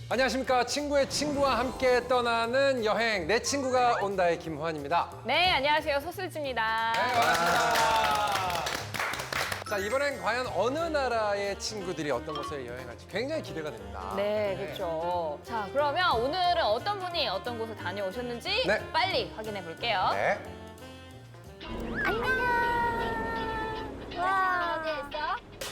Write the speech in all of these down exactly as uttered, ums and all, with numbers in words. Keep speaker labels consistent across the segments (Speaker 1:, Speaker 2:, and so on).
Speaker 1: 안녕하십니까. 친구의 친구와 함께 떠나는 여행 내 친구가 온다의 김호환입니다.
Speaker 2: 네, 안녕하세요. 소슬지입니다.
Speaker 1: 네, 반갑습니다. 자, 이번엔 과연 어느 나라의 친구들이 어떤 곳에 여행할지 굉장히 기대가 됩니다.
Speaker 2: 네, 그렇죠. 자, 그러면 오늘은 어떤 분이 어떤 곳을 다녀오셨는지
Speaker 1: 네.
Speaker 2: 빨리 확인해 볼게요.
Speaker 1: 네.
Speaker 3: 안녕. 와, 어디에 있어?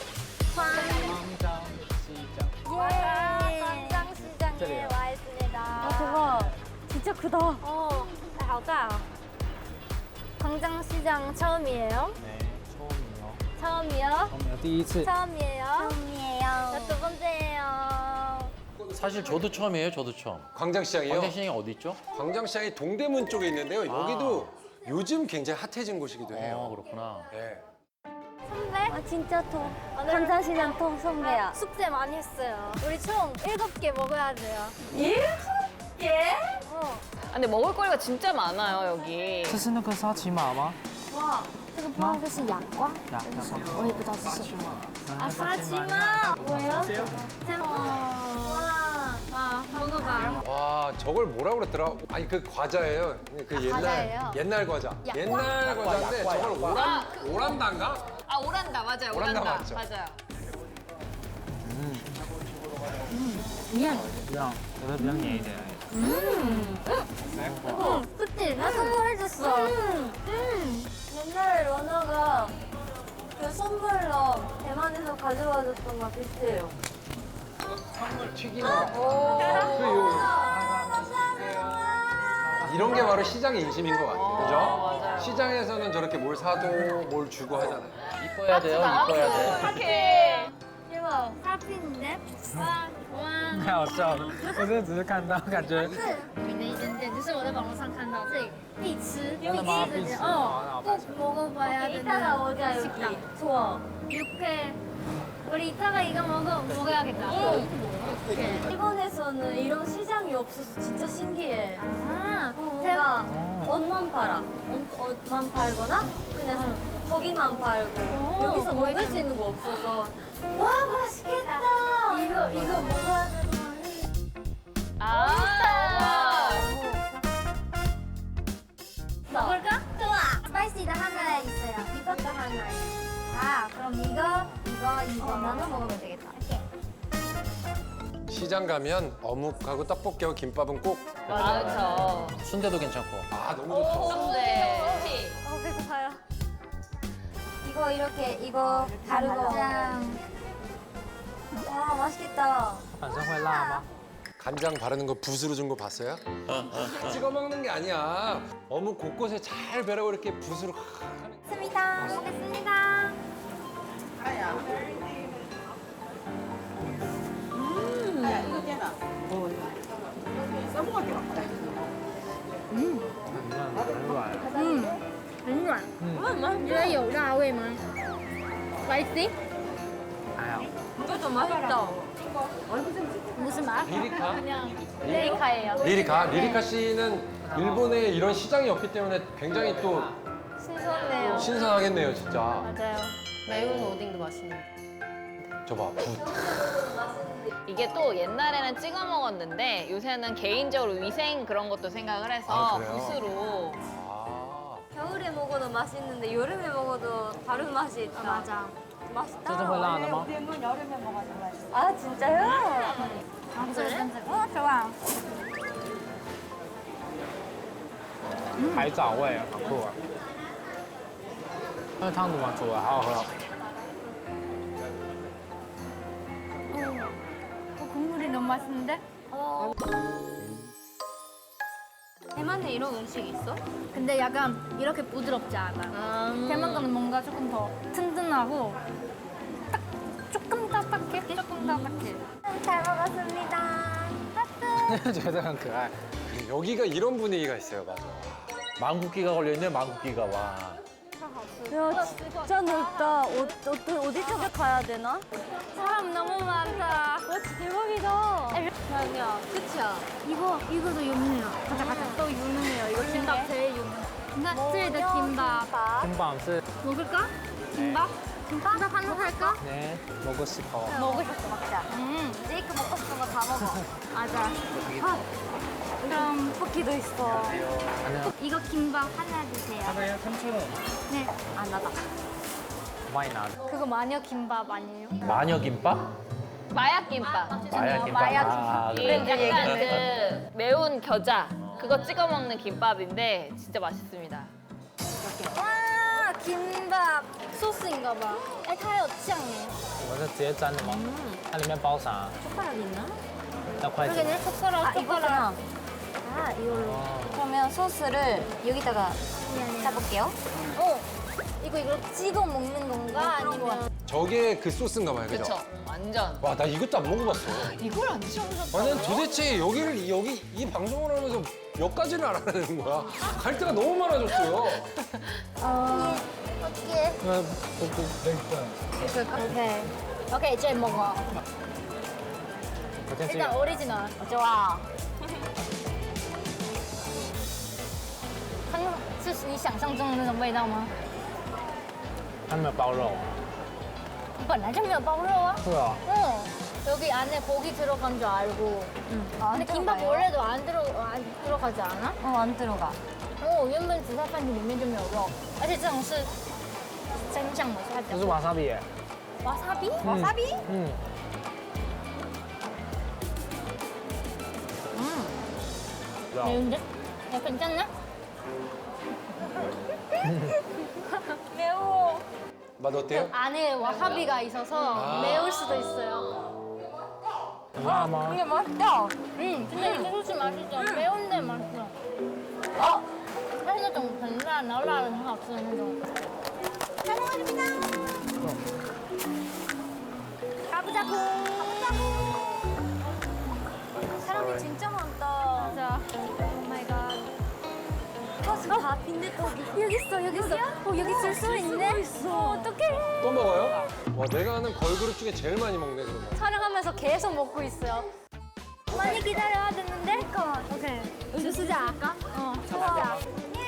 Speaker 3: 광장시장에 와 있습니다.
Speaker 4: 아, 대박. 진짜 크다.
Speaker 3: 어, 好大. 광장시장 처음이에요?
Speaker 5: 네, 처음이요.
Speaker 3: 처음이요?
Speaker 5: 처음이요. 第一次.
Speaker 3: 처음이에요? 처음이에요. 저 두 번째예요.
Speaker 6: 사실 저도 처음이에요. 저도 처음.
Speaker 1: 광장시장이요?
Speaker 6: 광장시장이 어디 있죠?
Speaker 1: 광장시장이 동대문 쪽에 있는데요. 여기도
Speaker 6: 아.
Speaker 1: 요즘 굉장히 핫해진 곳이기도
Speaker 6: 어,
Speaker 1: 해요.
Speaker 6: 그렇구나.
Speaker 1: 네.
Speaker 3: 선배?
Speaker 4: 아, 진짜 통.
Speaker 3: 오늘
Speaker 4: 광장시장 통 선배야.
Speaker 3: 숙제 많이 했어요. 우리 총 일곱 개 먹어야 돼요.
Speaker 4: 일곱 개?
Speaker 3: 어.
Speaker 2: 아, 근데 먹을 거리가 진짜 많아요, 여기.
Speaker 5: 这是那个沙琪玛吗？
Speaker 4: 这个不知道这是哑瓜，
Speaker 5: 呀，雅瓜。
Speaker 4: 我也不知道是什么。
Speaker 3: 아, 사지마. 뭐예요? 와, 와, 먹어봐.
Speaker 1: 와, 저걸 뭐라고 그랬더라? 아니, 그 과자예요. 그 옛날
Speaker 3: 과자예요?
Speaker 1: 옛날 과자.
Speaker 3: 약과?
Speaker 1: 옛날 과자인데 저걸 오란
Speaker 2: 아, 그-
Speaker 1: 오란단가?
Speaker 2: 아, 오란다. 맞아요.
Speaker 1: 오란다
Speaker 2: 오란다.
Speaker 1: 맞죠?
Speaker 2: 맞아요.
Speaker 5: 一样，可是比较黏一点。
Speaker 3: 어, 그치? 나 선물해줬어. 음. 음. 옛날에 러너가 그 선물로 대만에서 가져와줬던 거 비슷해요.
Speaker 1: 이런 게 바로 시장의 인심인 것 같아요. 그죠?
Speaker 2: 맞아요.
Speaker 1: 시장에서는 저렇게 뭘 사도 뭘 주고 하잖아요.
Speaker 6: 이뻐야 돼요. 이뻐야 돼.
Speaker 2: 착해.
Speaker 3: 대박. 사진인데? 와, 와.
Speaker 5: 太好笑了，我真的只是看到，感觉
Speaker 3: 有名的一间店，就是我在网络上看到，这里必吃，必
Speaker 5: 真的吗
Speaker 3: 吃的店，
Speaker 5: 必吃
Speaker 3: 哦，꼭 먹어봐야 되는
Speaker 4: 이따가 오자, 여기.
Speaker 3: 식당.
Speaker 4: 좋아.
Speaker 3: 육회. 우리 이따가 이거 먹어 먹어야겠다.
Speaker 4: 일본에서는 이런 시장이 없어서 진짜 신기해.
Speaker 3: 아,
Speaker 4: 제가 옷만 팔아. 옷, 옷만 팔거나 그냥 거기만 팔고 여기서 먹을 수 있는 거 없어서 와 맛있겠다. 이거 이거 먹어야 되는
Speaker 2: 아.
Speaker 3: 먹을까? 좋아. 스파이시도 하나 있어요. 이것도 하나. 아, 그럼 이거, 이거, 이거 나눠 먹으면 되겠다. 이렇게.
Speaker 1: 시장 가면 어묵하고 떡볶이하고 김밥은 꼭.
Speaker 2: 맞아요.
Speaker 6: 순대도 괜찮고.
Speaker 1: 아, 너무 좋다.
Speaker 2: 네.
Speaker 3: 어, 배고파요. 이거 이렇게, 이거 다르고. 짠.
Speaker 4: 와 맛있겠다.
Speaker 5: 反正会辣吗？
Speaker 1: 간장 바르는 거 붓으로 준 거 봤어요? 찍어 먹는 게 아니야. 어묵 곳곳에 잘 베라고 이렇게 붓으로 확 하는.
Speaker 3: 먹겠습니다. 먹겠습니다.
Speaker 5: 음, 很软。
Speaker 3: 很软。嗯，你觉得有辣味吗？Spicy？
Speaker 5: 还好。
Speaker 4: 이것도 맛있다.
Speaker 3: 무슨 맛?
Speaker 1: 리리카?
Speaker 2: 레이카예요.
Speaker 1: 리리카. 리리카 씨는 일본에 이런 시장이 없기 때문에 굉장히 또
Speaker 3: 신선해요.
Speaker 1: 신선하겠네요, 진짜.
Speaker 3: 맞아요.
Speaker 2: 매운 오뎅도 맛있는.
Speaker 1: 저봐, 붓.
Speaker 2: 이게 또 옛날에는 찍어 먹었는데 요새는 개인적으로 위생 그런 것도 생각을 해서
Speaker 1: 아, 그래요?
Speaker 2: 붓으로.
Speaker 1: 아.
Speaker 4: 겨울에 먹어도 맛있는데 여름에 먹어도 다른 맛이 있다.
Speaker 3: 맞아.
Speaker 4: 맛있다.
Speaker 5: 这是会辣的吗？
Speaker 4: 아 진짜요?
Speaker 3: 아, 그래? 어, 좋아.
Speaker 5: 海藻味，好酷啊！那个汤怎么煮的？好好喝哦。
Speaker 3: 어, 국물이 너무 맛있는데?
Speaker 4: 어. 대만에 이런 음식 있어?
Speaker 3: 근데 약간 이렇게 부드럽지 않아. 대만 거는 뭔가 조금 더 튼튼하고 딱 조금 딱딱해? 조금 딱딱해. 잘 먹었습니다. 하트.
Speaker 5: 觉得很可爱。
Speaker 1: 여기가 이런 분위기가 있어요, 맞아.
Speaker 6: 망국기가 걸려있네, 망국기가. 와.
Speaker 4: 야 진짜 넓다. 어, 어, 어디 쪽에 가야 되나?
Speaker 3: 사람 너무 많다.
Speaker 4: 와 진짜 대박이다.
Speaker 3: 자기야,
Speaker 4: 그치야?
Speaker 3: 이거 이거도 유명해요. 가자 가자. 또 유명해요. 이거 김밥 제일 유명. 나트리드 김밥.
Speaker 5: 金棒是
Speaker 3: 먹을까? 김밥? 김밥? 김밥 하나 살까?
Speaker 5: 네, 먹고 싶어.
Speaker 4: 먹고 싶어 먹자.
Speaker 3: 음.
Speaker 4: 제이크 먹고 싶은 거 다 먹어.
Speaker 3: 맞아. 그럼
Speaker 4: 쿠키도 있어.
Speaker 5: 하나,
Speaker 3: 이거 김밥 하나 주세요.
Speaker 5: 하나에 삼천 원.
Speaker 3: 네.
Speaker 4: 아 나다.
Speaker 5: 많이 나.
Speaker 3: 그거 마녀 김밥 아니에요?
Speaker 6: 마녀 김밥?
Speaker 2: 마약 김밥.
Speaker 6: 마약 김밥.
Speaker 4: 마약
Speaker 6: 아,
Speaker 2: 이게
Speaker 6: 그래.
Speaker 2: 약간 그 매운 겨자 그거 찍어 먹는 김밥인데 진짜 맛있습니다.
Speaker 3: 와, 김밥 소스인가 봐. 에, 它有酱耶.
Speaker 5: 我是直接沾的吗？它里面包啥？
Speaker 4: 젓가락 있나?
Speaker 5: 要筷子。
Speaker 3: 그러게 젓가락,
Speaker 4: 아 이거구나.
Speaker 3: 젓가락.
Speaker 4: 아 이걸로.
Speaker 5: 어.
Speaker 4: 그러면 소스를 여기다가 짜볼게요.
Speaker 3: 어, 이거 이거 찍어 먹는 건가? 아니면
Speaker 1: 저게 그 소스인가 봐요, 그죠?
Speaker 2: 그쵸? 완전.
Speaker 1: 와, 나 이것도 안 먹어봤어.
Speaker 2: 이걸 안 드셔보셨다고요?
Speaker 1: 아, 난 도대체 여기를, 여기, 이 방송을 하면서 몇 가지를 알아야 되는 거야? 갈 데가 너무 많아졌어요.
Speaker 3: 어, 어떻게?
Speaker 5: 那不不那个，
Speaker 3: 오케이. 오케이, 이제 먹어.
Speaker 5: 我先吃一
Speaker 3: 일단
Speaker 5: 个。
Speaker 3: 오리지널.
Speaker 4: 좋아.
Speaker 3: 它是你想象中的那种味道吗？
Speaker 5: 它没有包肉。
Speaker 3: 本来就没有包肉啊。
Speaker 5: 是啊。
Speaker 3: 어. 여기 안에 고기 들어간 줄 알고. 아, 근데 김밥 원래도 안 들어 안 들어가지 않아?
Speaker 4: 어안 들어가.
Speaker 3: 哦，原本紫菜饭里面就没有肉，而且这种是真酱的，所以它比
Speaker 5: 这是
Speaker 3: 较
Speaker 5: 瓦萨比耶。
Speaker 3: 와사비?
Speaker 4: 와사비?
Speaker 5: 嗯。嗯。
Speaker 3: 매운데? 야, 괜찮나? 매워.
Speaker 1: 맛 어때요?
Speaker 3: 안에 와사비가 있어서
Speaker 1: 아.
Speaker 3: 매울 수도 있어요.
Speaker 5: 辣吗？
Speaker 4: 이게 맛있다.
Speaker 3: 음, 근데 이 소스 맛있어. 매운데 맛있어. 어, 它是那种很辣，然后辣的很好吃的那种。
Speaker 4: 잘 먹었습니다.
Speaker 3: 가보자고.
Speaker 4: 사람이 진짜 많다.
Speaker 3: 맞아. 오 마이 갓.
Speaker 4: 버스 다 빈대떡이.
Speaker 3: 여기 있어, 여기 있어. 어, 여기 줄 수 있네. 어, 어떡해.
Speaker 1: 또 먹어요? 와, 내가 아는 걸그룹 중에 제일 많이 먹네, 그러면.
Speaker 3: 촬영하면서 계속 먹고 있어요. 많이 기다려야 되는데? 오케이. 주스자 할까? 어, 좋아.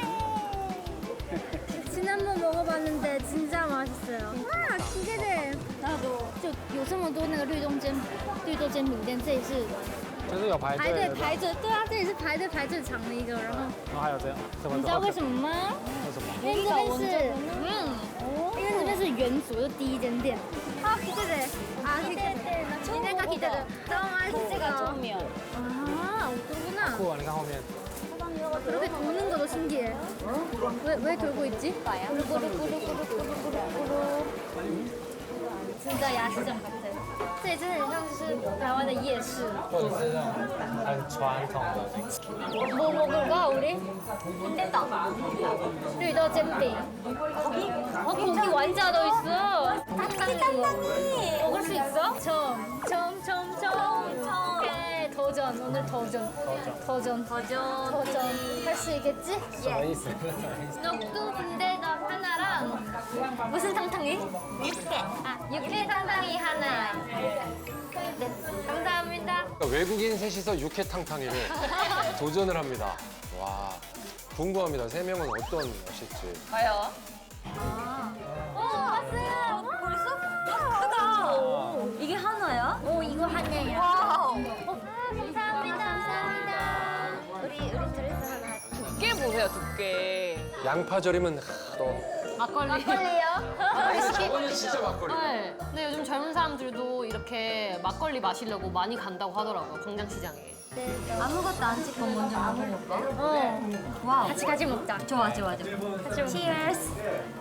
Speaker 3: 지난번 먹어봤는데 진짜 맛있어요. 와, 기대돼. 나도. 就有这么多那个绿豆煎绿豆煎饼店，这里是
Speaker 5: 就是有排
Speaker 3: 排队
Speaker 5: 队的。
Speaker 3: 排着，对啊，这里是排队排最长的一个。然后
Speaker 5: 然后还有这样，什么？
Speaker 3: 你知道为什么吗？
Speaker 5: 为什么？
Speaker 3: 因为这边是，嗯，因为这边是元祖，就第一间店。啊，기대돼。啊，기대돼。今天기대돼。너무맛있어。 아, 그렇구나.
Speaker 5: 酷啊！你看后面。
Speaker 3: 그렇게 도는 것도 신기해. 왜, 왜 돌고 있지? 꾸루꾸루꾸루꾸루꾸루꾸루. 진짜 야시장 같아. 这里真的很像就是台湾的夜市。
Speaker 5: 或者是那种很传统的。
Speaker 3: 뭐 먹을까 우리? 빈대떡.绿豆煎饼. 어, 고기 완자도 있어. 땅땅이 땅땅이. 먹을 수 있어? 처음. 처음 처음 처음. 오케이. 도전. 오늘 도전. 도전. 도전. 도전. 할 수 있겠지?
Speaker 5: 什么意思？
Speaker 3: 녹두 빈대떡 하나랑 무슨 탕탕이? 육회. 아, 육회 탕탕이 하나. 네, 감사합니다.
Speaker 1: 그러니까 외국인 셋이서 육회탕탕이를 도전을 합니다. 와, 궁금합니다. 세 명은 어떤 맛일지.
Speaker 2: 과연?
Speaker 3: 오, 왔어요.
Speaker 4: 벌써? 크다. 이게 하나야?
Speaker 3: 오, 이거 하나야.
Speaker 4: 와우.
Speaker 3: 어, 감사합니다. 감사합니다.
Speaker 4: 우리 우리 드레스 하나.
Speaker 2: 두께 보세요, 두께.
Speaker 1: 양파절이면 하, 또
Speaker 7: 막걸리.
Speaker 3: 막걸리요?
Speaker 1: 오늘 진짜 막걸리.
Speaker 7: 네. 근데 요즘 젊은 사람들도 이렇게 막걸리 마시려고 많이 간다고 하더라고요, 광장시장에.
Speaker 4: 아무것도 안 찍고 먼저 먹어볼까?
Speaker 3: 어.
Speaker 4: 와우.
Speaker 3: 같이 같이 먹자.
Speaker 4: 좋아 좋아 좋아.
Speaker 3: 같이 먹자. Cheers.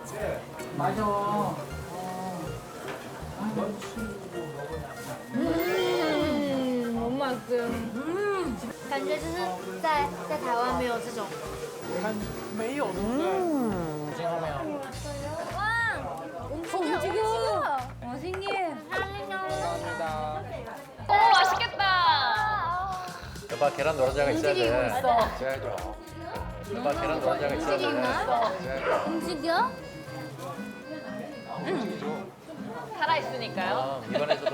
Speaker 3: 음, 我买个，嗯，感觉就是在在台湾没有这种。
Speaker 5: 没有，对不对？嗯，听到没有？
Speaker 3: 와, 움직여.
Speaker 4: 어 신기해.
Speaker 5: 감사합니다.
Speaker 2: 오, 맛있겠다.
Speaker 6: 여봐, 계란 노른자가 있어야 돼.
Speaker 3: 움직이고 있어.
Speaker 1: 있어야죠.
Speaker 6: 여봐, 계란 노른자가 있어야 돼.
Speaker 1: 있어야죠.
Speaker 3: 움직여?
Speaker 1: 움직이죠.
Speaker 2: 살아있으니까요.
Speaker 6: 아, 입안에서도.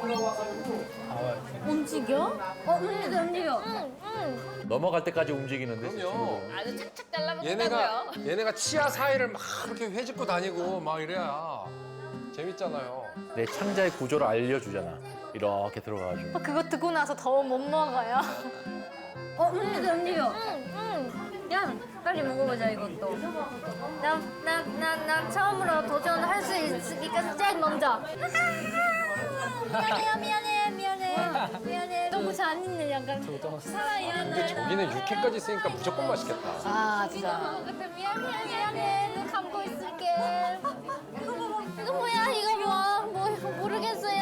Speaker 3: 움직여? 어, 움직여, 움직여. 응, 응.
Speaker 6: 넘어갈 때까지 움직이는데, 저
Speaker 1: 그럼요.
Speaker 6: 친구들은.
Speaker 2: 아주 착착 잘라먹는다고요.
Speaker 1: 얘네가 얘네가 치아 사이를 막 이렇게 회집고 다니고 막 이래야 재밌잖아요.
Speaker 6: 내 창자의 구조를 알려주잖아. 이렇게 들어가가지고.
Speaker 3: 그거 듣고 나서 더 못 먹어요.
Speaker 4: 어 움직여 움직여. 야 빨리 먹어보자 이것도.
Speaker 3: 나나나나 처음으로 도전할 수 있으니까 제일 먼저. 미안해요 미안해 미안해 미안해 너무 잔인해 약간 사랑이
Speaker 1: 근데 저기는 육회까지 있으니까 무조건 맛있겠다.
Speaker 2: 아 진짜.
Speaker 3: 미안해 미안해 눈 감고 있을게. 이거 뭐야 이거 뭐야 뭐 모르겠어요.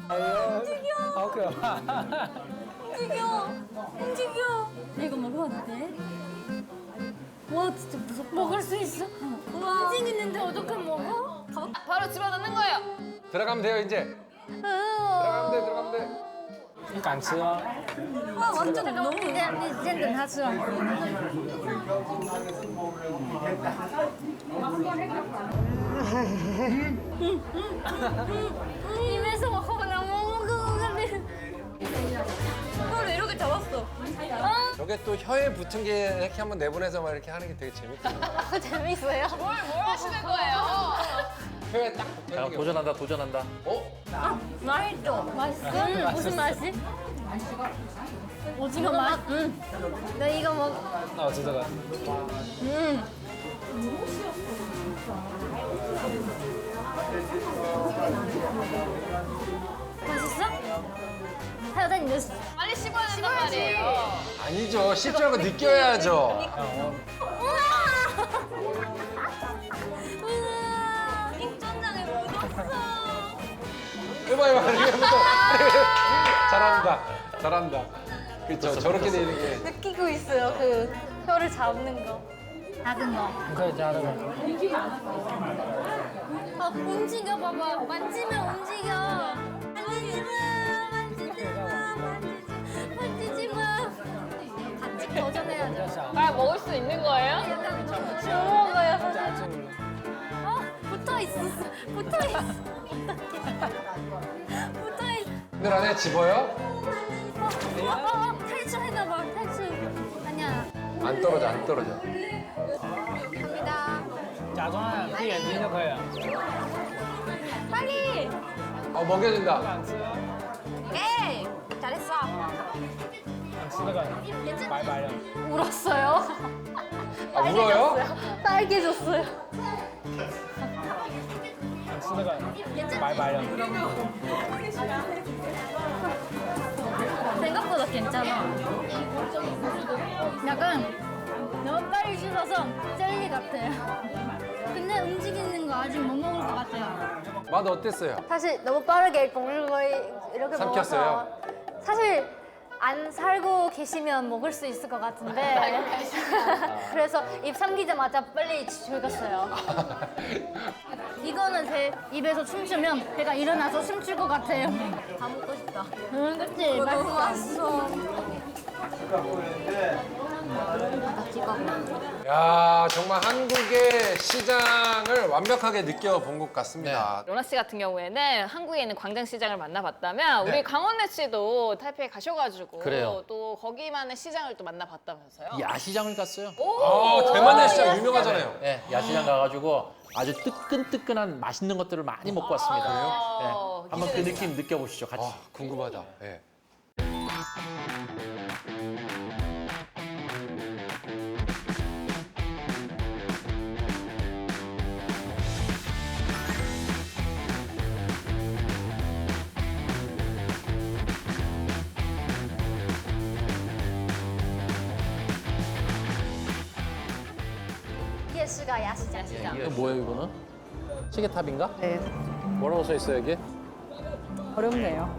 Speaker 4: 움직여 움직여. 이거 먹어도 돼? 와 진짜 무섭다.
Speaker 3: 먹을 수 있어?
Speaker 4: 우와.
Speaker 3: 움직이는데 어떻게 먹어?
Speaker 2: 바로 집어넣는 거예요.
Speaker 1: 들어가면 돼요 이제. 들어가면 돼 들어가면 돼.
Speaker 5: 你敢吃吗？
Speaker 4: 와 완전 너무.
Speaker 3: 你你先等他吃完。 입에서 먹어보나 먹는 것 같아.
Speaker 4: 이걸 이렇게 잡았어.
Speaker 1: 저게 또 혀에 붙은 게 이렇게 한번 내보내서 막 이렇게 하는 게 되게 재밌거든요.
Speaker 3: 재밌어요?
Speaker 2: 뭘, 뭘 하시는 거예요?
Speaker 1: 혀에 딱
Speaker 6: 자,
Speaker 1: 붙는 게.
Speaker 6: 도전한다, 도전한다.
Speaker 1: 어?
Speaker 4: 맛있어.
Speaker 3: 음, 무슨 맛이? 오징어 맛? 응. 나 이거 먹.
Speaker 5: 那我吃这个。
Speaker 3: 음. 맛있어? 하여튼 이거
Speaker 2: 빨리 씹어야 된단 말이에요.
Speaker 1: 아니죠. 씹줄 알고 느껴야죠.
Speaker 4: 우와. 입천장에 묻었어.
Speaker 1: 해봐 해봐 해봐. 잘한다. 잘한다. 그렇죠. 저렇게 되는 게.
Speaker 3: 느끼고 있어요. 그 혀를 잡는 거. 작은 거.
Speaker 5: 你可以加这个。
Speaker 3: 아, 움직여 봐봐. 만지면 움직여. 만지지 마. 만지지 마. 만지지 마. 같이 도전해야죠.
Speaker 2: 빨리 먹을 수 있는 거예요?
Speaker 3: 약간 못 먹어요. 어, 붙어 있어. 붙어 있어. 붙어 있어.
Speaker 1: 늘 안에 집어요?
Speaker 3: 어, 어, 어, 탈출했나 봐. 탈출. 아니야.
Speaker 1: 안 떨어져 안 떨어져.
Speaker 3: 갑니다.
Speaker 5: 假装闭眼睛就可以了。
Speaker 3: 빨리.
Speaker 1: 어 먹여준다.
Speaker 5: 敢吃？
Speaker 3: 오케이. 잘했어.
Speaker 5: 你吃这个，白白的。
Speaker 3: 울었어요.
Speaker 1: 아 울어요?
Speaker 3: 빨개졌어요.
Speaker 5: 你吃这个，白白的。
Speaker 3: 생각보다 괜찮아. 약간 너무 빨리 씹어서 젤리 같아요. 근데 움직이는 거 아직 못 먹을 것 같아요.
Speaker 1: 맛 어땠어요?
Speaker 3: 사실 너무 빠르게 봉글거리 이렇게
Speaker 1: 삼켰어요?
Speaker 3: 먹어서 사실 안 살고 계시면 먹을 수 있을 것 같은데 그래서 입 삼키자마자 빨리 즐겼어요. 이거는 제 입에서 춤추면 제가 일어나서 춤출 것 같아요.
Speaker 4: 다 먹고 싶다.
Speaker 3: 응, 그치?
Speaker 4: 너무
Speaker 3: 맛있어.
Speaker 4: 맛있어.
Speaker 1: 야 정말 한국의 시장을 완벽하게 느껴본 것 같습니다.
Speaker 2: 로나 씨 같은 경우에는 한국에 있는 광장시장을 만나봤다면 우리 강원래 씨도 타이페이 가셔가지고
Speaker 6: 그래요.
Speaker 2: 또 거기만의 시장을 또 만나봤다면서요?
Speaker 6: 야시장을 갔어요.
Speaker 1: 아 대만의 시장 유명하잖아요.
Speaker 6: 네, 야시장 가가지고 아주 뜨끈뜨끈한 맛있는 것들을 많이 먹고 왔습니다.
Speaker 2: 그래요?
Speaker 6: 네, 한번 그 느낌 느껴보시죠, 같이.
Speaker 1: 아 궁금하다. 예.
Speaker 3: 예시가 야시장.
Speaker 6: 이거 뭐예요, 이거는? 시계탑인가? 네. 뭐라고 써 있어요, 여기?
Speaker 8: 어렵네요.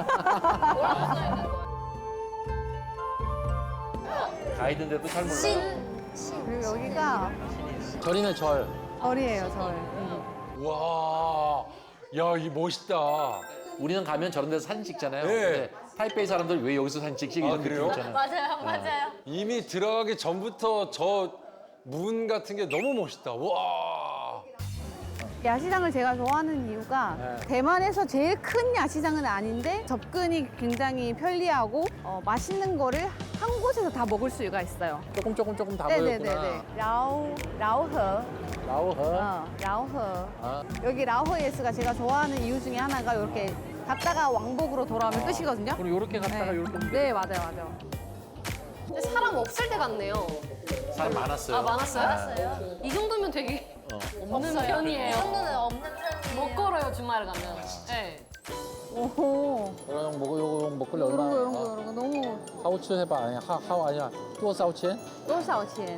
Speaker 6: 가이드인데도 잘 몰라요.
Speaker 8: 그리고 여기가
Speaker 6: 절이네, 절.
Speaker 8: 절이에요, 절.
Speaker 1: 와, 야, 이 멋있다.
Speaker 6: 우리는 가면 저런 데서 사진 찍잖아요.
Speaker 1: 네.
Speaker 6: 근데 타이페이 사람들 왜 여기서 사진 찍지? 이런
Speaker 1: 아,
Speaker 6: 느낌
Speaker 1: 그래요?
Speaker 6: 있잖아요.
Speaker 3: 맞아요, 맞아요.
Speaker 1: 이미 들어가기 전부터 저 문 같은 게 너무 멋있다. 와.
Speaker 8: 야시장을 제가 좋아하는 이유가 대만에서 제일 큰 야시장은 아닌데 접근이 굉장히 편리하고 어, 맛있는 거를 한 곳에서 다 먹을 수가 있어요.
Speaker 6: 조금 조금 조금 다 모였구나.
Speaker 8: 네네네네. 라오 라오허.
Speaker 6: 라오허.
Speaker 8: 어, 라오허.
Speaker 6: 아,
Speaker 8: 여기 라오허예스가 제가 좋아하는 이유 중에 하나가 이렇게 갔다가 왕복으로 돌아오면 끝이거든요.
Speaker 6: 그럼 요렇게 갔다가
Speaker 8: 네.
Speaker 6: 요렇게.
Speaker 8: 네, 맞아요, 맞아요.
Speaker 7: 근데 사람 없을 때 같네요.
Speaker 6: 사람 많았어요.
Speaker 7: 아 많았어요?
Speaker 4: 알았어요.
Speaker 7: 이 정도면 되게
Speaker 6: 어.
Speaker 7: 없는 편이에요.
Speaker 4: 이 정도는 없는 편이에요.
Speaker 7: 못 걸어요 주말에 가면. 네.
Speaker 8: 오호.
Speaker 6: 그럼 먹고 요거 먹을래
Speaker 8: 이런
Speaker 6: 얼마?
Speaker 8: 거, 이런 거, 이런 거 너무
Speaker 6: 하우츠 해봐. 아니 하 하우 아니야. 또 사우치?
Speaker 8: 또사오치엔.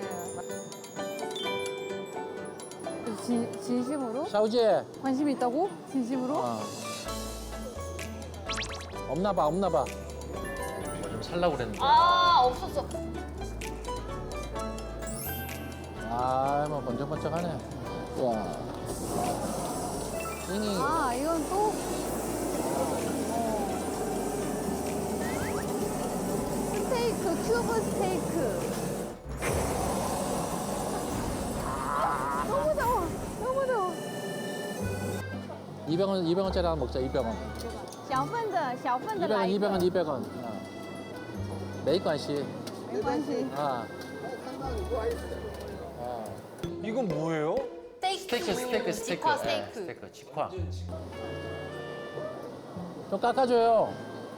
Speaker 8: 진, 진심으로?
Speaker 6: 샤우지.
Speaker 8: 관심이 있다고? 진심으로?
Speaker 6: 어. 없나 봐, 없나 봐. 뭐 좀 살라고 그랬는데.
Speaker 2: 아 없었어.
Speaker 6: 아, 뭐 번쩍번쩍하네. 와. 잉이.
Speaker 8: 아, 이건 또? 어. 스테이크, 큐브 스테이크. 아, 너무 더워, 너무 더워.
Speaker 6: 이백 원, 이백 원짜리 하나 먹자. 이백 원.
Speaker 8: 小份的,小份的
Speaker 6: 이백 원,
Speaker 8: 来一
Speaker 6: 이백 원,
Speaker 8: 个.
Speaker 6: 이백 원. 어. 没关系.
Speaker 8: 没关系.
Speaker 6: 아. 아.
Speaker 1: 이건 뭐예요?
Speaker 6: 스테이크, 스테이크, 스테이크.
Speaker 7: 직화
Speaker 6: 예,
Speaker 7: 스테이크.
Speaker 6: 스테이크, 직화. 좀 깎아줘요.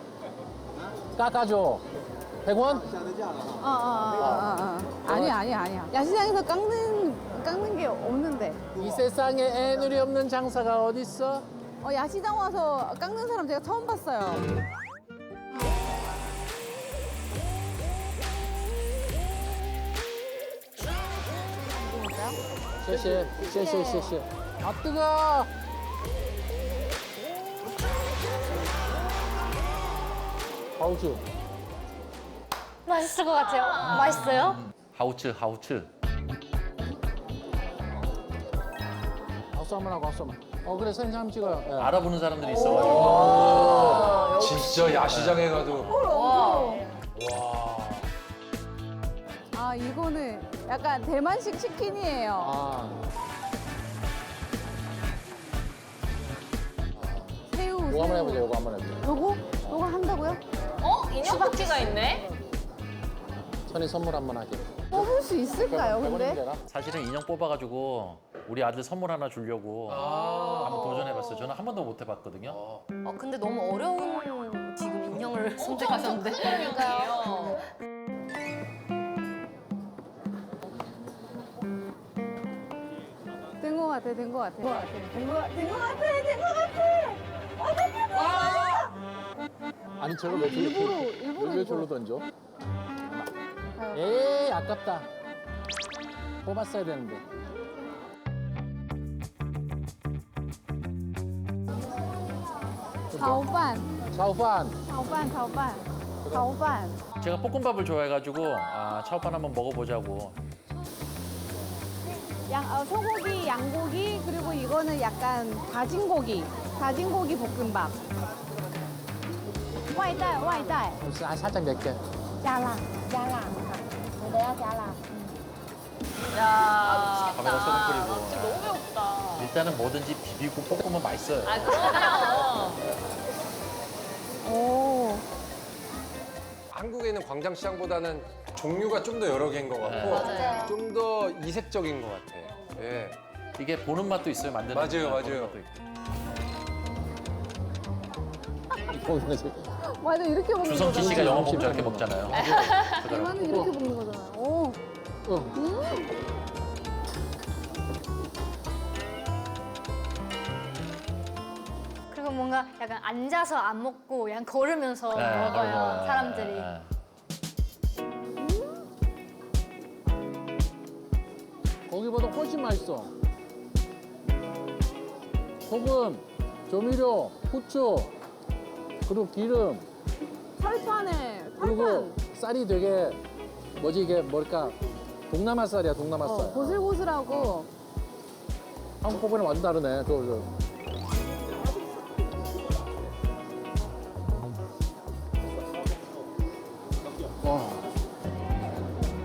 Speaker 6: 깎아줘. 백 원?
Speaker 8: 어, 어, 어, 어, 어. 아니야, 아니야, 아니야. 야시장에서 깎는, 깎는 게 없는데.
Speaker 6: 이 세상에 애누리 없는 장사가 어딨어?
Speaker 8: 어, 야시장 와서 깎는 사람 제가 처음 봤어요.
Speaker 6: 쉐쉐, 쉐쉐, 쉐쉐. 아, 뜨거! 하우츠.
Speaker 4: 맛있을 것 같아요. 맛있어요?
Speaker 6: 하우츠, 하우츠. 박수 한번 하고, 박수 한번. 어, 그래, 사진 한번 찍어요. 예. 알아보는 사람들이 있어가지고.
Speaker 1: 진짜 야시장에 가도
Speaker 8: 아, 이거는 약간 대만식 치킨이에요.
Speaker 6: 아,
Speaker 8: 새우,
Speaker 6: 이거 한번
Speaker 8: 새우.
Speaker 6: 해보자, 이거 한번 해보자.
Speaker 8: 요거? 요거 한다고요?
Speaker 2: 어 인형 바퀴가 있네.
Speaker 6: 선이 선물 한번 하게.
Speaker 8: 뽑을 수 있을까요, 근데?
Speaker 6: 사실은 인형 뽑아가지고 우리 아들 선물 하나 주려고 한번 도전해봤어요. 저는 한 번도 못 해봤거든요.
Speaker 7: 어 근데 너무 어려운 지금 인형을 선택하셨는데.
Speaker 2: 그러니까요.
Speaker 8: 된 거 같아, 된 거 같아. 된 거 같아, 된 거 같아, 된 거 같아, 된 거 같아.
Speaker 6: 아니 저걸 왜
Speaker 8: 일부러, 일부러
Speaker 6: 왜
Speaker 8: 이거.
Speaker 6: 절로 던져?
Speaker 8: 아유.
Speaker 6: 에이 아깝다. 뽑았어야 되는데.
Speaker 8: 자오반,
Speaker 6: 차오판.
Speaker 8: 자오반, 자오반, 자오반.
Speaker 6: 제가 볶음밥을 좋아해가지고 아 차오판 한번 먹어보자고.
Speaker 8: 양, 어, 소고기, 양고기, 그리고 이거는 약간 다진 고기, 다진 고기 볶음밥. 外带,外带.
Speaker 6: 아, 살짝 맵게.
Speaker 8: 加辣,加辣.我的要加辣.
Speaker 2: 야.
Speaker 6: 밥에다 소금 끓이고.
Speaker 2: 진짜 너무 배고프다.
Speaker 6: 일단은 뭐든지 비비고 볶으면 맛있어요.
Speaker 2: 아 그럼요.
Speaker 8: 오.
Speaker 1: 한국에 있는 광장시장보다는 종류가 좀 더 여러 개인 것 같고
Speaker 2: 맞아요.
Speaker 1: 좀 더 이색적인 것 같아. 예.
Speaker 6: 이게 보는 맛도 있어요, 만드는
Speaker 1: 맞아요,
Speaker 6: 맛,
Speaker 1: 맞아요.
Speaker 6: 보는 맛도 있고. 거기서
Speaker 8: 맞아, 이렇게 먹는
Speaker 6: 주성치
Speaker 8: 거잖아.
Speaker 6: 씨가 영어 보면 저렇게 먹잖아요.
Speaker 8: 대만은 이렇게 먹는 거잖아. 오.
Speaker 4: 그리고 뭔가 약간 앉아서 안 먹고 그냥 걸으면서
Speaker 6: 네,
Speaker 4: 먹어요,
Speaker 6: 그리고,
Speaker 4: 사람들이.
Speaker 6: 네. 거기보다 훨씬 맛있어. 소금, 조미료, 후추, 그리고 기름,
Speaker 8: 철판에,
Speaker 6: 그리고
Speaker 8: 철판.
Speaker 6: 쌀이 되게 뭐지 이게 뭘까? 동남아 쌀이야, 동남아 쌀.
Speaker 8: 어, 고슬고슬하고.
Speaker 6: 한국보다는 완전 다르네. 저, 저. 와.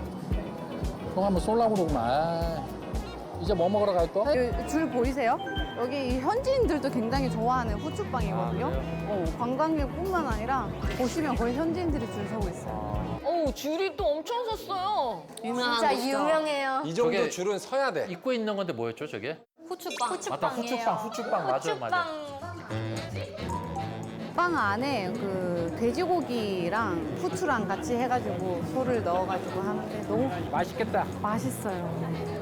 Speaker 6: 형 한번 쏠라고 그러구만. 아. 이제 뭐 먹으러 갈 거?
Speaker 8: 줄 보이세요? 여기 이 현지인들도 굉장히 좋아하는 후추빵이거든요. 어, 관광객뿐만 아니라 보시면 거의 현지인들이 줄 서고 있어요.
Speaker 2: 어우, 줄이 또 엄청 섰어요.
Speaker 7: 유명한
Speaker 4: 진짜
Speaker 7: 곳이죠.
Speaker 4: 유명해요.
Speaker 1: 이 정도
Speaker 6: 저게-
Speaker 1: 줄은 서야 돼.
Speaker 6: 입고 있는 건데 뭐였죠 저게?
Speaker 7: 후추빵.
Speaker 6: 맞다 후추빵 후추빵 맞아 맞아.
Speaker 8: 빵 안에 그 돼지고기랑 후추랑 같이 해가지고 소를 넣어가지고 하는데 너무
Speaker 5: 맛있겠다.
Speaker 8: 맛있어요.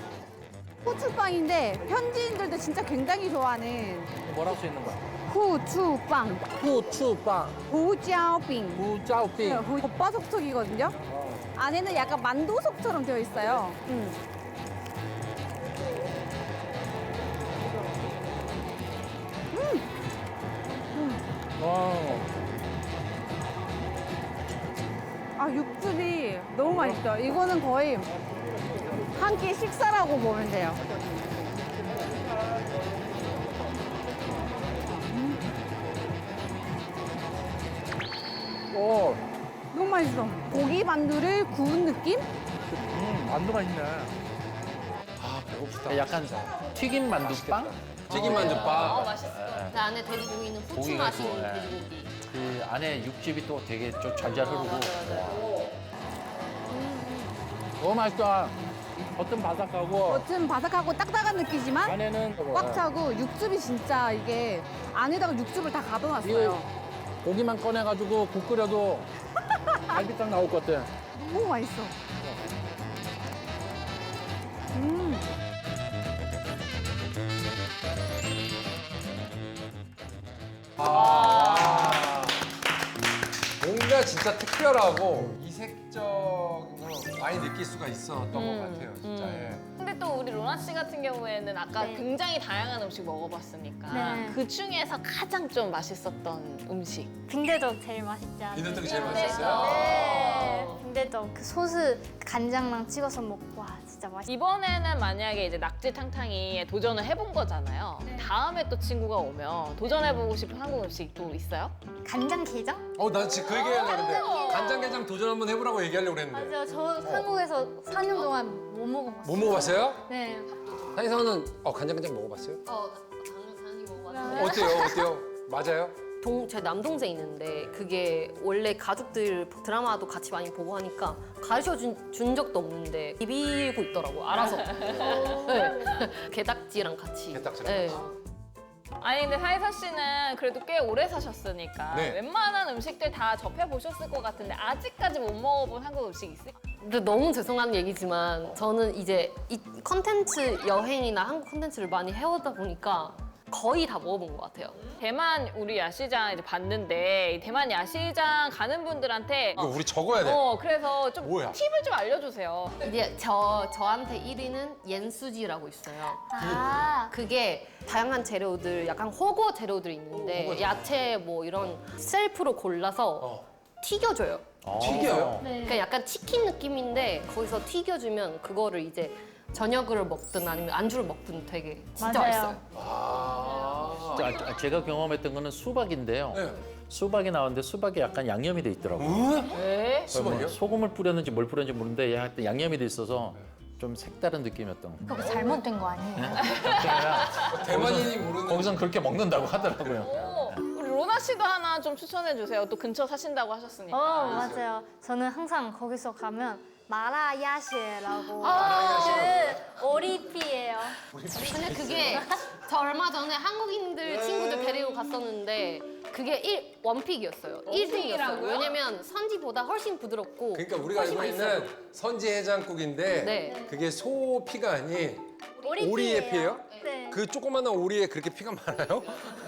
Speaker 8: 후추빵인데 현지인들도 진짜 굉장히 좋아하는
Speaker 6: 뭐라고 써 있는 거야?
Speaker 8: 후추빵,
Speaker 6: 후추빵,
Speaker 8: 후짜오빙.
Speaker 6: 후짜오빙.
Speaker 8: 후- 겉바속촉이거든요. 안에는 약간 만두속처럼 되어 있어요. 음.
Speaker 6: 와.
Speaker 8: 아 육즙이 너무 맛있죠. 이거는 거의 한 끼 식사라고 보면 돼요.
Speaker 6: 오.
Speaker 8: 너무 맛있어. 고기 만두를 구운 느낌?
Speaker 5: 음, 만두 맛있네.
Speaker 1: 아 배고프다.
Speaker 6: 약간 튀김 만두빵?
Speaker 1: 튀김
Speaker 2: 어,
Speaker 1: 만두빵.
Speaker 2: 맛있어.
Speaker 7: 그 안에 돼지고기는 후추
Speaker 6: 고기가
Speaker 7: 맛이
Speaker 6: 또,
Speaker 7: 있는
Speaker 6: 예.
Speaker 7: 돼지고기.
Speaker 6: 그 안에 육즙이 또 되게 좀 잘잘 흐르고. 너무 맛있다. 겉은 바삭하고
Speaker 8: 겉은 바삭하고 딱딱한 느끼지만
Speaker 6: 안에는
Speaker 8: 꽉 차고 육즙이 진짜 이게 안에다가 육즙을 다 가둬놨어요.
Speaker 6: 고기만 꺼내가지고 국 끓여도 갈비탕 나올 것 같아.
Speaker 8: 너무 맛있어. 음.
Speaker 1: 아 뭔가 진짜 특별하고 이색적인 걸 많이 느낄 수가 있었던 것 같아요, 진짜. 예.
Speaker 2: 근데 또 우리 로나 씨 같은 경우에는 아까
Speaker 4: 네.
Speaker 2: 굉장히 다양한 음식 먹어봤으니까
Speaker 4: 네.
Speaker 2: 그 중에서 가장 좀 맛있었던 음식.
Speaker 4: 빈대떡 제일 맛있지 않아요?
Speaker 1: 빈대떡이 제일 맛있었어요?
Speaker 4: 네. 빈대떡 그 소스 간장랑 찍어서 먹고 와 진짜 맛있어.
Speaker 2: 이번에는 만약에 이제 낙지 탕탕이에 도전을 해본 거잖아요. 다음에 또 친구가 오면 도전해보고 싶은 한국 음식 또 있어요?
Speaker 4: 간장게장?
Speaker 1: 어, 난 지금 그 얘기하려고 했는데 간장게장 도전 한번 해보라고 얘기하려고 했는데.
Speaker 4: 맞아요. 저 한국에서 사 년 동안 못 먹어봤어요.
Speaker 1: 못 먹어봤어요?
Speaker 4: 네.
Speaker 1: 한이상은 어, 간장게장 먹어봤어요?
Speaker 7: 어, 당연 당연히 먹어봤어요.
Speaker 1: 어때요? 어때요? 맞아요?
Speaker 7: 동, 제 남동생 있는데 그게 원래 가족들 드라마도 같이 많이 보고 하니까 가르쳐 준, 준 적도 없는데 비비고 있더라고 알아서. 네. 게딱지랑 같이.
Speaker 1: 게딱지랑
Speaker 7: 네.
Speaker 1: 같이.
Speaker 2: 아니 근데 사이사 씨는 그래도 꽤 오래 사셨으니까
Speaker 1: 네.
Speaker 2: 웬만한 음식들 다 접해보셨을 것 같은데 아직까지 못 먹어본 한국 음식 있어요?
Speaker 7: 근데 너무 죄송한 얘기지만 저는 이제 이 컨텐츠 여행이나 한국 컨텐츠를 많이 해오다 보니까 거의 다 먹어본 것 같아요.
Speaker 2: 대만 우리 야시장 이제 봤는데 이 대만 야시장 가는 분들한테
Speaker 1: 이거 우리 적어야 돼.
Speaker 2: 어 그래서 좀
Speaker 1: 뭐야?
Speaker 2: 팁을 좀 알려주세요.
Speaker 7: 이제 저 저한테 일 위는 옌수지라고 있어요.
Speaker 4: 아.
Speaker 7: 그게 다양한 재료들, 약간 호거 재료들이 있는데 야채 뭐 이런 셀프로 골라서
Speaker 1: 어.
Speaker 7: 튀겨줘요.
Speaker 1: 튀겨요?
Speaker 4: 네.
Speaker 7: 그러니까 약간 치킨 느낌인데 거기서 튀겨주면 그거를 이제 저녁을 먹든 아니면 안주를 먹든 되게 진짜
Speaker 4: 맞아요.
Speaker 7: 맛있어요.
Speaker 1: 아.
Speaker 6: 자, 제가 경험했던 거는 수박인데요.
Speaker 1: 네.
Speaker 6: 수박이 나왔는데 수박에 약간 양념이 돼 있더라고요.
Speaker 2: 네?
Speaker 1: 수박이요?
Speaker 6: 뭐 소금을 뿌렸는지 뭘 뿌렸는지 모르는데 약간 양념이 돼 있어서 좀 색다른 느낌이었던 거.
Speaker 4: 그거 잘못된 거 아니에요?
Speaker 1: 대만인이 모르는.
Speaker 6: 거기선 그렇게 먹는다고 하더라고요.
Speaker 2: 오, 우리 로나 씨도 하나 좀 추천해 주세요. 또 근처 사신다고 하셨으니까.
Speaker 4: 어 맞아요. 저는 항상 거기서 가면 마라야시라고
Speaker 2: 아.
Speaker 4: 그 오리피예요.
Speaker 7: 근데 그게 저 얼마 전에 한국인들 친구들 데리고 갔었는데 그게 일, 원픽이었어요. 일 등이었어요. 왜냐면 선지보다 훨씬 부드럽고
Speaker 1: 그러니까 우리가
Speaker 7: 훨씬
Speaker 1: 알고
Speaker 7: 맛있어요.
Speaker 1: 있는 선지 해장국인데
Speaker 7: 네.
Speaker 1: 그게 소 피가 아닌
Speaker 4: 오리피예요.
Speaker 1: 오리의 피예요?
Speaker 4: 네.
Speaker 1: 그 조그마한 오리에 그렇게 피가 많아요?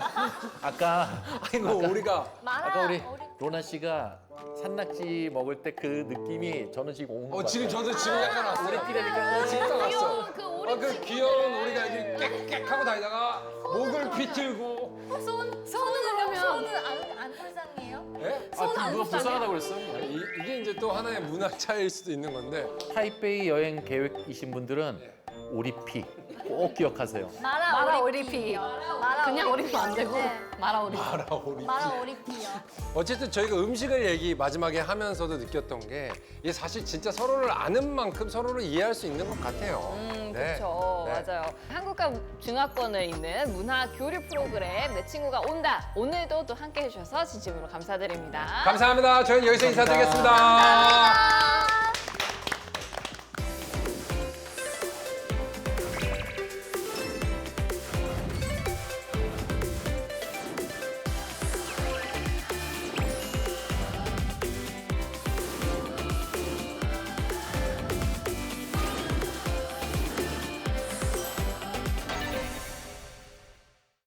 Speaker 6: 아까
Speaker 1: 아이고 오리가
Speaker 4: 마라
Speaker 6: 아까 우리
Speaker 4: 오리.
Speaker 6: 로나 씨가 산낙지 먹을 때 그 느낌이 저는 지금 온 것
Speaker 1: 어
Speaker 6: 같아요.
Speaker 1: 지금 저도 지금 약간 왔어요. 오리피라니까 지금 딱 왔어.
Speaker 2: 그 오리
Speaker 1: 아, 그 귀여운 오리가 이렇게 꽥꽥하고 다니다가 목을 비틀고.
Speaker 4: 손 손은 그러면 손은 안, 안 불쌍해요?
Speaker 1: 예?
Speaker 6: 아, 그럼 누가 불쌍하다고 그랬어?
Speaker 1: 아니, 이, 이게 이제 또 하나의 문화 차이일 수도 있는 건데.
Speaker 6: 타이베이 여행 계획이신 분들은 오리피 꼭 꼭 기억하세요.
Speaker 3: 마라,
Speaker 7: 마라
Speaker 3: 오리피.
Speaker 7: 오리피.
Speaker 3: 마라
Speaker 7: 그냥 오리피 안 되고
Speaker 3: 네.
Speaker 7: 마라 오리피.
Speaker 3: 마라 오리피요.
Speaker 1: 어쨌든 저희가 음식을 얘기 마지막에 하면서도 느꼈던 게 이게 사실 진짜 서로를 아는 만큼 서로를 이해할 수 있는 것 같아요.
Speaker 2: 음,
Speaker 1: 네.
Speaker 2: 그렇죠.
Speaker 1: 네.
Speaker 2: 맞아요. 한국과 중화권을 잇는 문화 교류 프로그램 내 친구가 온다. 오늘도 또 함께 해주셔서 진심으로 감사드립니다.
Speaker 1: 감사합니다. 저희는 여기서 인사드리겠습니다.